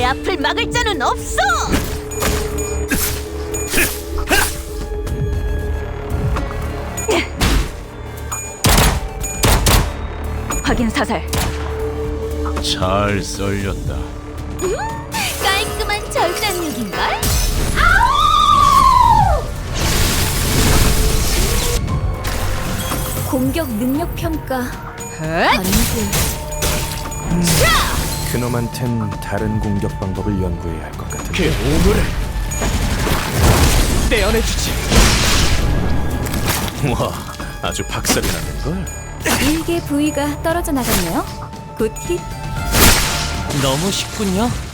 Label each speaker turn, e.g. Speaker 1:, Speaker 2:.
Speaker 1: 앞을 막을 자는 없어! 확인 사살.
Speaker 2: 잘 썰렸다.
Speaker 1: 깔끔한 절단력인걸? 아우! 공격 능력 평가. 아니지.
Speaker 3: 그놈한텐 다른 공격 방법을 연구해야 할 것 같은데.
Speaker 2: 그 오물을 떼어내주지. 와, 아주 박살이 나는걸.
Speaker 1: 일개 부위가 떨어져 나갔네요. 굿 힛.
Speaker 2: 너무 쉽군요.